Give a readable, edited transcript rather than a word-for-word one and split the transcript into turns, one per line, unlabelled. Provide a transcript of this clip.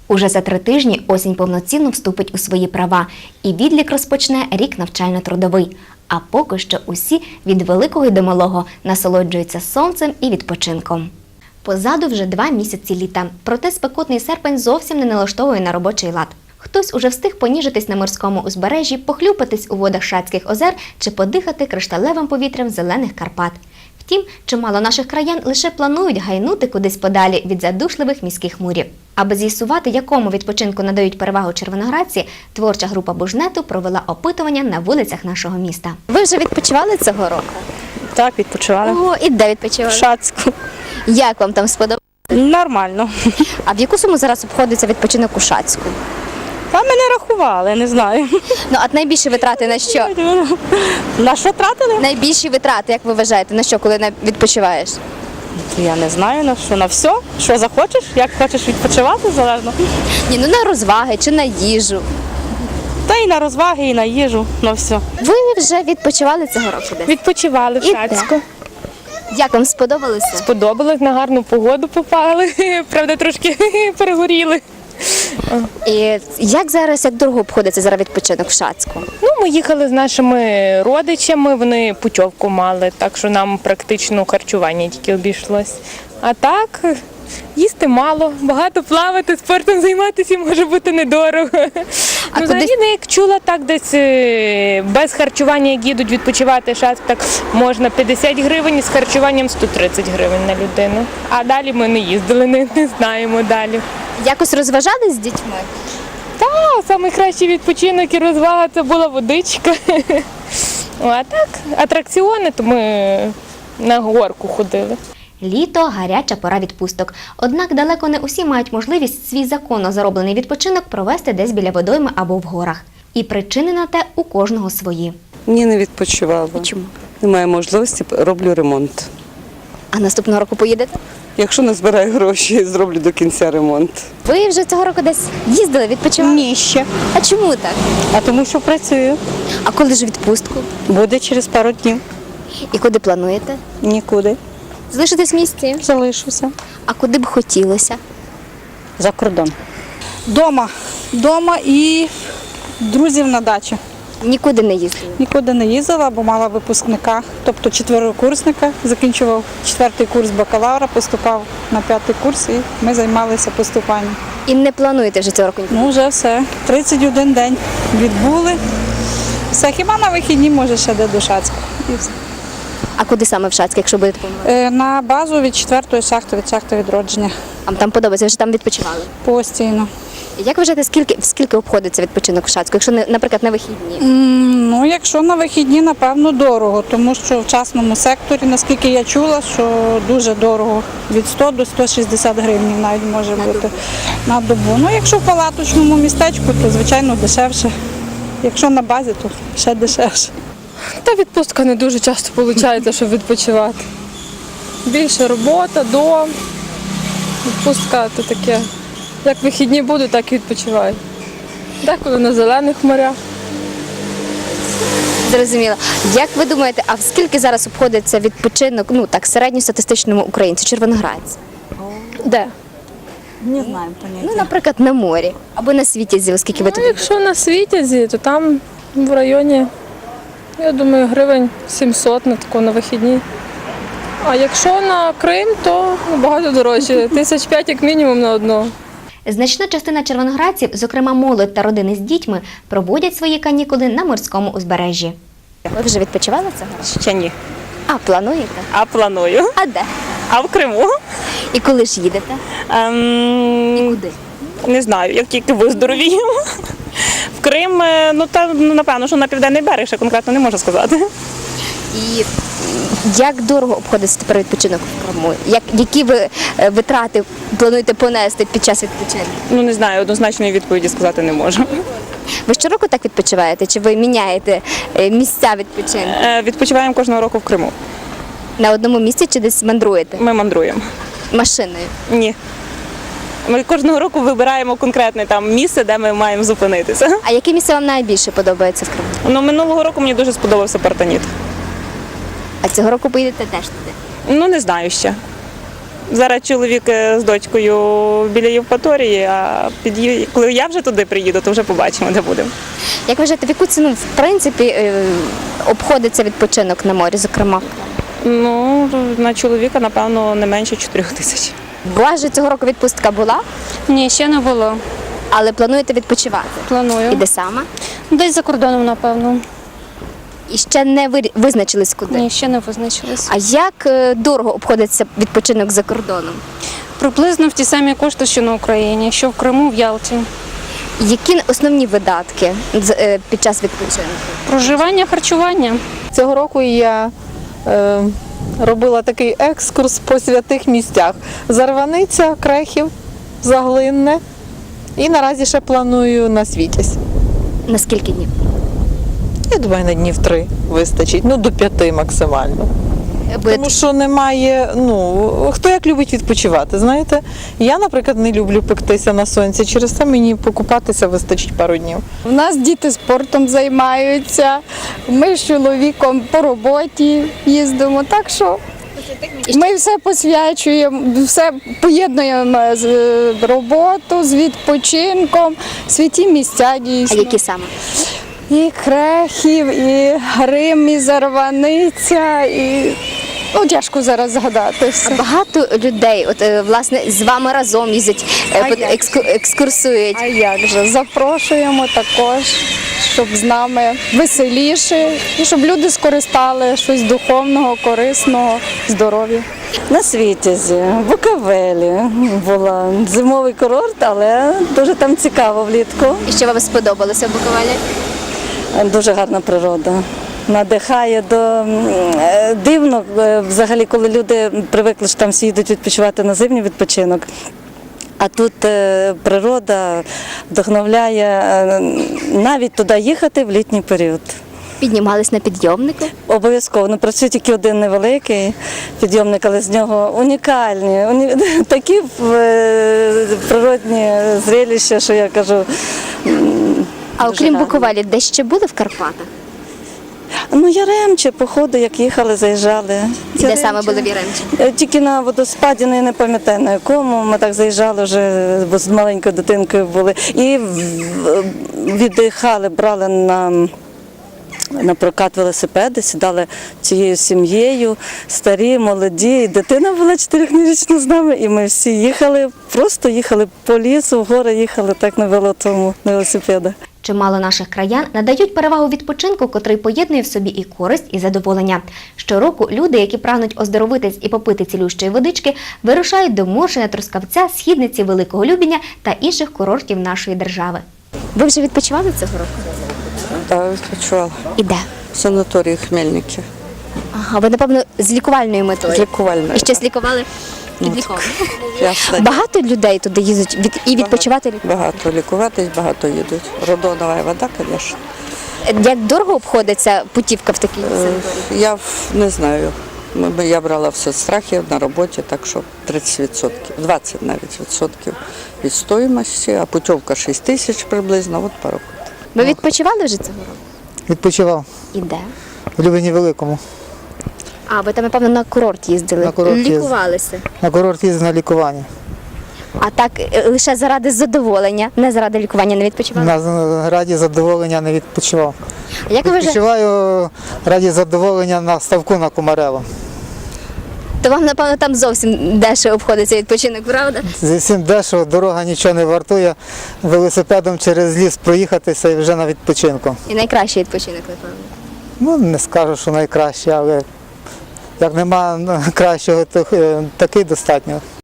Уже за 3 тижні осінь повноцінно вступить у свої права і відлік розпочне рік навчально-трудовий. А поки що усі від великого й до малого насолоджуються сонцем і відпочинком. Позаду вже 2 місяці літа, проте спекотний серпень зовсім не налаштовує на робочий лад. Хтось уже встиг поніжитись на морському узбережжі, похлюпатись у водах Шацьких озер чи подихати кришталевим повітрям зелених Карпат. Втім, чимало наших краян лише планують гайнути кудись подалі від задушливих міських мурів. Аби з'ясувати, якому відпочинку надають перевагу червоноградці, творча група Бужнету провела опитування на вулицях нашого міста. Ви вже відпочивали цього року?
Так, відпочивали.
Ого, і де
В
відпочивали?
Шацьку.
Як вам там сподобалося?
Нормально.
А в яку суму зараз обходиться відпочинок у Шацьку?
Та ми не рахували, не знаю.
Ну, а найбільші витрати на що?
На що тратили?
Найбільші витрати, як ви вважаєте, на що, коли відпочиваєш?
Я не знаю на що. На все. Що захочеш, як хочеш відпочивати, залежно.
Ні, ну на розваги чи на їжу.
Та і на розваги, і на їжу, на все.
Ви вже відпочивали цього року десь?
Відпочивали в
І
Шацьку.
Як вам сподобалося?
Сподобалось, на гарну погоду попали. Правда, трошки перегоріли.
І як зараз, як дорого обходиться зараз відпочинок в Шацьку?
Ну, ми їхали з нашими родичами, вони путівку мали, так що нам практично харчування тільки обійшлось. А так, їсти мало, багато плавати, спортом займатися може бути недорого.
А
Ну, взагалі,
кудись-
як чула, так десь без харчування, як їдуть відпочивати Шацьк, так можна 50 гривень, з харчуванням 130 гривень на людину. А далі ми не їздили, не знаємо далі.
Якось розважались з дітьми?
Найкращий відпочинок і розвага – це була водичка. А так, атракціони, то ми на горку ходили.
Літо – гаряча пора відпусток. Однак далеко не усі мають можливість свій законно зароблений відпочинок провести десь біля водойми або в горах. І причини на те у кожного свої.
Ні, не відпочивала.
Чому?
Немає можливості, роблю ремонт.
А наступного року поїдете?
Якщо не збираю гроші, зроблю до кінця ремонт.
Ви вже цього року десь їздили, відпочивали?
Ні, ще.
А чому так?
А тому що працюю.
А коли ж відпустку?
Буде через пару днів.
І куди плануєте?
Нікуди.
Залишитесь в місті?
Залишуся.
А куди б хотілося?
За кордон.
Дома і друзів на дачі.
Нікуди не їздили?
Нікуди не їздила, бо мала випускника, тобто 4-курсника. Закінчував 4-й курс бакалавра, поступав на 5-й курс і ми займалися поступанням.
І не плануєте вже цього року?
Ну вже все. 31 день відбули. Все, хіба на вихідні, може, ще де до Шацька. І все.
А куди саме в Шацьк, якщо будете планувати?
На базу від 4-ї шахти, від шахти відродження.
Вам там подобається, ви вже там відпочивали?
Постійно.
Як вважаєте, скільки обходиться відпочинок в Шацьку, якщо, наприклад, на вихідні?
Ну, якщо на вихідні, напевно, дорого, тому що в частному секторі, наскільки я чула, що дуже дорого, від 100 до 160 гривень навіть може бути на добу. Ну, якщо в палаточному містечку, то, звичайно, дешевше. Якщо на базі, то ще дешевше.
Та відпустка не дуже часто виходить, щоб відпочивати. Більше робота, дом. Відпустка то таке. Як вихідні будуть, так і відпочиваю. Деколи на зелених морях.
Зрозуміло. Як ви думаєте, а в скільки зараз обходиться відпочинок, ну так, середньостатистичному українцю, червоноградцю?
Де?
Не знаю поняття.
Ну, наприклад, на морі або на Світязі, оскільки ви
Ну,
туди.
якщо на Світязі, то там в районі, я думаю, гривень 700 на таку на вихідні. А якщо на Крим, то багато дорожче. 1500 як мінімум на одного.
Значна частина червоноградців, зокрема молодь та родини з дітьми, проводять свої канікули на морському узбережжі. Ви вже відпочивали цього?
Ще ні.
А, плануєте?
А планую.
А де?
А в Криму?
І коли ж їдете? І куди?
Не знаю, як тільки виздоровію. В Крим, напевно, що на південний берег, ще конкретно не можу сказати.
І як дорого обходиться тепер відпочинок в Криму? Які ви витрати плануєте понести під час відпочинку?
Ну, не знаю, однозначної відповіді сказати не можу.
Ви щороку так відпочиваєте? Чи ви міняєте місця відпочинку?
Відпочиваємо кожного року в Криму.
На одному місці чи десь мандруєте?
Ми мандруємо.
Машиною?
Ні. Ми кожного року вибираємо конкретне там місце, де ми маємо зупинитися.
А яке місце вам найбільше подобається в Криму?
Ну, минулого року мені дуже сподобався Партаніт.
А цього року поїдете теж туди?
Ну, не знаю ще. Зараз чоловік з дочкою біля Євпаторії, а коли я вже туди приїду, то вже побачимо, де будемо.
Як вважаєте, в яку ціну в принципі обходиться відпочинок на морі, зокрема?
Ну, на чоловіка, напевно, не менше 4 тисяч.
У вас же цього року відпустка була,
Ні, ще не було.
але плануєте відпочивати?
Планую.
І де саме?
Десь за кордоном, напевно.
І ще не визначились куди?
Ні, ще не визначились.
А як дорого обходиться відпочинок за кордоном?
Приблизно в ті самі кошти, що на Україні, що в Криму, в Ялті.
Які основні видатки під час відпочинку?
Проживання, харчування.
Цього року я робила такий екскурс по святих місцях. Зарваниця, Крехів, Заглинне. І наразі ще планую на Світязь.
На скільки днів?
Я думаю, на днів 3 вистачить, ну до 5 максимально. Тому що немає, хто як любить відпочивати, знаєте. Я, наприклад, не люблю пектися на сонці, через це мені покупатися вистачить пару днів.
У нас діти спортом займаються, ми з чоловіком по роботі їздимо, так що ми все посвячуємо, все поєднуємо з роботу, з відпочинком, святі місця
А
дійсно.
які саме?
І Крехів, і Грим, і Зарваниця, і тяжко зараз згадати все.
Багато людей, власне, з вами разом їздять, екскурсують.
А як же, запрошуємо також, щоб з нами веселіше, і щоб люди скористали щось духовного, корисного, здоров'я.
На Світязі, в Буковелі була зимовий курорт, але дуже там цікаво влітку.
І що вам сподобалося в Буковелі?
Дуже гарна природа. Надихає дивно, взагалі, коли люди привикли, що там всі їдуть відпочивати на зимній відпочинок. А тут природа вдохновляє навіть туди їхати в літній період.
Піднімались на підйомнику?
Обов'язково. Працює тільки один невеликий підйомник, але з нього унікальні, такі природні зрелища, що я кажу.
А окрім
гарно.
Буковелі, де ще були в Карпатах?
Яремче, походу, як їхали, заїжджали.
Де саме були в Яремчі?
Тільки на водоспаді, я не пам'ятаю на якому. Ми так заїжджали вже, бо з маленькою дитинкою були. І віддихали, брали на прокат велосипеди, сідали цією сім'єю, старі, молоді. І дитина була 4-річна з нами, і ми всі їхали, просто їхали по лісу, в гори їхали так на велосипедах.
Чимало наших краян надають перевагу відпочинку, котрий поєднує в собі і користь, і задоволення. Щороку люди, які прагнуть оздоровитись і попити цілющої водички, вирушають до Моршина, Трускавця, Східниці, Великого Любеня та інших курортів нашої держави. Ви вже відпочивали цього року?
Так, відпочивала.
І де?
В санаторії Хмельники.
Ага, ви, напевно, з лікувальною метою.
З лікувальною.
І щось лікували? Підліковано.
Ясно.
Багато людей туди їздять і відпочивати?
Багато лікуватись, багато їдуть. Родонова вода, звісно.
Як дорого обходиться путівка в такій санаторії?
Я не знаю. Я брала все страхи на роботі, так що 30%, 20 навіть відсотків від стоїмості, а путівка 6 тисяч приблизно, от пару.
Ви відпочивали вже цього року?
Відпочивав
І де?
в Любені Великому.
А, ви там, напевно, на курорт їздили?
На курорт їздив.
Лікувалися?
На курорт їздив на лікування.
А так лише заради задоволення, не заради лікування не відпочивали?
На раді задоволення не відпочивав.
А як ви вже?
Відпочиваю раді задоволення на ставку на Кумарело.
То вам, напевно, там зовсім дешево обходиться відпочинок, правда?
Зі всім дешево, дорога нічого не вартує. Велосипедом через ліс проїхатися і вже на відпочинку.
І найкращий відпочинок, напевно.
Ну, не скажу, що найкраще, але як нема кращого, то такий достатньо.